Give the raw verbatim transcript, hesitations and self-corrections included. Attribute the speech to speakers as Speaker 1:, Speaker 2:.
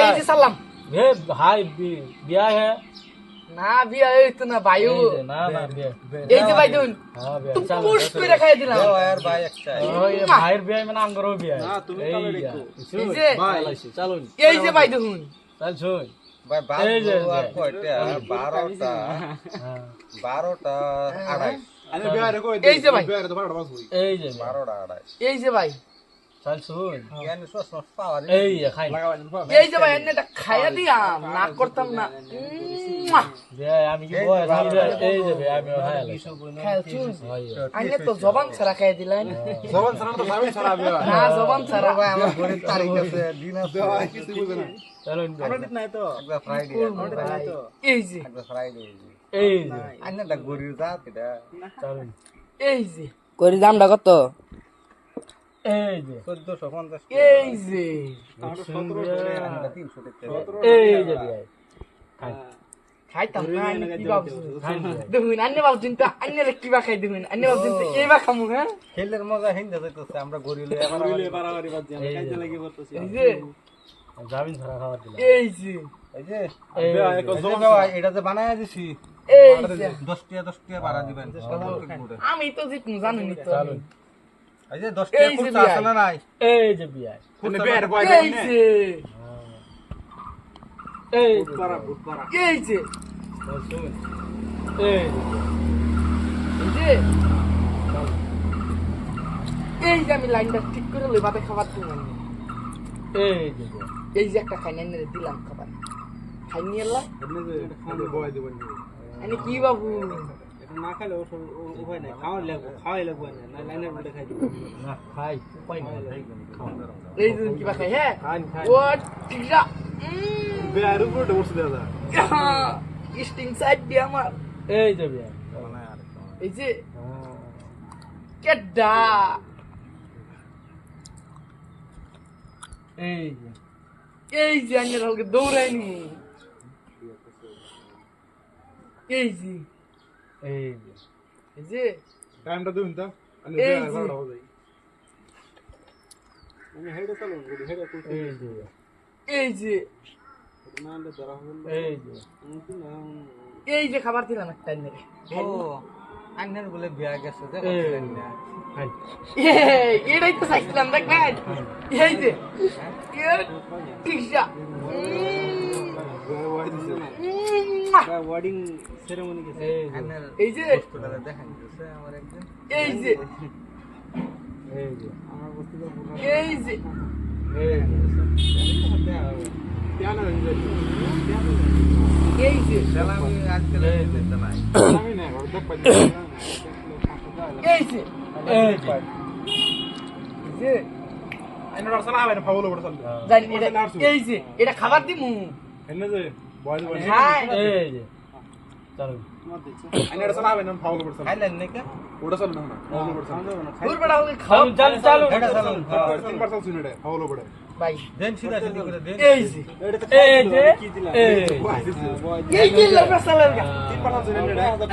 Speaker 1: এই যে সালাম
Speaker 2: ए भाई बिया है
Speaker 1: না বিয়া এই তো না ভাইও
Speaker 2: ना ना बिया
Speaker 1: এই যে ভাই দুন
Speaker 2: हां बिया
Speaker 1: তুই পুশ করে খাই দিলাম
Speaker 3: यार भाई अच्छा
Speaker 2: ओए भाईर बिया में नाम करो बिया
Speaker 4: না তুমি কালে দেখো
Speaker 1: এই যে
Speaker 2: भाई चलो
Speaker 1: এই যে ভাই দুন
Speaker 2: चल छोड़
Speaker 3: भाई बात আর কয়টা বারোটা
Speaker 2: हां
Speaker 3: বারোটা আড়াই
Speaker 4: আরে বিয়ারে কই
Speaker 1: এই যে ভাই
Speaker 4: বিয়ারে তো বারোটা বাজ হই
Speaker 2: ए जे
Speaker 3: বারোটা আড়াই
Speaker 1: এই যে ভাই
Speaker 2: चल छोड़
Speaker 3: ইয়ানি সস সস পাওয়া
Speaker 2: ए ये खाई
Speaker 1: এই যে ভাই এনে খাইয়া দিয়াম না করতাম না
Speaker 2: बिया আমি কি বয় এই যে বিয়া আমি খাই
Speaker 1: খেলছুন আইনে তো জবান ছাড়া খাইয়া দিলেন
Speaker 4: জবান ছাড়া তো সারাই ছাড়া বিয়া
Speaker 1: না জবান ছাড়া
Speaker 3: ভাই আমার ঘরের তারিখ আছে দিন আছে
Speaker 4: কিছু বুঝে না
Speaker 2: चलो
Speaker 4: আমরা ঠিক নাই তো
Speaker 3: একটা ফ্রাইডে
Speaker 4: আমরা ঠিক নাই তো
Speaker 1: এই যে
Speaker 3: একটা ফ্রাইডে
Speaker 2: এই যে
Speaker 3: আন্নাটা গরির জাত এটা
Speaker 2: চলো
Speaker 1: এই যে করি দামটা কত
Speaker 2: এই যে
Speaker 3: চোদ্দশো পঞ্চাশ
Speaker 1: এই যে
Speaker 3: আন্নাটা তিনশো টাকা
Speaker 2: এই যে বিয়া খাই
Speaker 1: খাইতাম না আইনে কি ভাবছো
Speaker 2: খাই
Speaker 1: দেখুন আইনে ভাবছেন তো আইনে কিবা খাই দেখুন আইনে ভাবছেন তো এইবা খামু হ্যাঁ
Speaker 3: খেলের মজা হিন্দা যাইতেছে আমরা গরির লই আবার
Speaker 4: আমরা বাড়াবাড়ি বাদ দিয়ে আমরা কাজে লাগি করতেছি
Speaker 1: এই যে
Speaker 2: জামিন ছাড়া খাওয়া দিলাম
Speaker 1: এই যে
Speaker 3: এই যে
Speaker 2: এই
Speaker 4: বিয়া
Speaker 3: এই
Speaker 4: এক
Speaker 3: যে
Speaker 4: জবান
Speaker 3: বাবা, এটা যে বানায় দিছি
Speaker 1: এই যে
Speaker 3: দশ টাকা দশ টাকা ভাড়া দিবেন
Speaker 1: আমি তো জিতমু জানেনি তো
Speaker 2: চলো
Speaker 3: এই যে দশ টাকা
Speaker 1: এই যে
Speaker 3: খুচরা
Speaker 1: বিয়াই।
Speaker 3: আছে না নাই
Speaker 2: এই যে বিয়া
Speaker 4: কোনে বিয়ারে কই
Speaker 1: এই যে
Speaker 2: এই
Speaker 4: পারা বুট পারা
Speaker 1: এই যে
Speaker 2: শুন এই
Speaker 1: এই যে এই যে আমি লাইনটা ঠিক করে লই ভাতে খাবার দিলাম
Speaker 2: এই যে
Speaker 1: এই যে একটা খাই নিয়ে দিলাম খাবার খাই নিয়ে এলা
Speaker 4: এমনি যে খালি বয় দিবেন
Speaker 1: আমি কি বাবু
Speaker 4: এটা না খাইলে ও উপায় নাই খাওয়া লাগবে খাওয়াই লাগবে না লাইনের মধ্যে খাই দিব
Speaker 2: না খাই উপায় নাই
Speaker 1: এই যে কিবা খাই হ্যাঁ
Speaker 4: খান খান
Speaker 1: ও ঠিক যা
Speaker 4: বিয়ারে উপরে বসে দাদা
Speaker 1: স্টিং সাইড দিয়ে আমার
Speaker 2: এই যে বিয়া
Speaker 1: এই যে কেডা
Speaker 2: এই যে
Speaker 1: এই যে আইনের হলকে দৌড়াইনি এই যে
Speaker 2: এই যে
Speaker 1: এই যে
Speaker 4: টাইমটা দিন তো আমি
Speaker 1: এই
Speaker 4: বিয়ারে
Speaker 1: যে।
Speaker 4: বারোটা বাজ আমি হেডে চালুন গুড হেডে কই
Speaker 2: এই যে
Speaker 1: এই যে
Speaker 4: না আনলে ধরা হবে না
Speaker 2: এই যে
Speaker 4: কিন্তু না
Speaker 1: এই যে খাবার দিলাম একটা আইনের
Speaker 3: ও আন্নের বলে বিয়া গেছে যে
Speaker 2: এই
Speaker 3: বলছিলেন না
Speaker 2: খাই
Speaker 1: এই, এটাই তো চাইছিলাম দেখবেন এই যে ঠিক যা
Speaker 4: বিয়ারে বয় দিছে না ওয়ার্ডিং সেরেমনি গেছে
Speaker 2: এই যে
Speaker 3: আন্নের
Speaker 1: এই যে
Speaker 3: হোস্টেলে দেখান দিছে আমার একদিন
Speaker 1: এই যে
Speaker 2: এই যে
Speaker 4: আমার বস্তুটা পুরো
Speaker 1: এই যে
Speaker 2: এই যে
Speaker 4: কেন হইছে
Speaker 1: এই যে
Speaker 3: সালামি আজকাল দিতে নাই
Speaker 4: আমি না ঘর দেখ পাই
Speaker 1: এই যে
Speaker 2: এই যে
Speaker 1: এই যে
Speaker 4: আইন রাসা না হবে ফাউল ওপর চল
Speaker 1: জানি এটা এই যে এটা খাবার দিমু
Speaker 4: এনে যে বয় দিবেন
Speaker 1: হ্যাঁ
Speaker 2: এই যে চলো
Speaker 4: আইন রাসা না হবে না ফাউল ওপর চল
Speaker 3: খাইলেন নাকি
Speaker 4: ওটা চল না ফাউল ওপর চল
Speaker 1: দূর বড়া হলে খাও
Speaker 2: চল চালু
Speaker 3: এটা চালান
Speaker 4: তিন পার্সেন্ট শুনে ফাউল ওপর
Speaker 1: ভাই
Speaker 3: দেন সিধা সিধি করে দেন
Speaker 1: এই যে
Speaker 2: এই যে এই
Speaker 4: বয় দিছে
Speaker 1: এই যে লবড়া সালার
Speaker 4: তিন পার্সেন্ট শুনে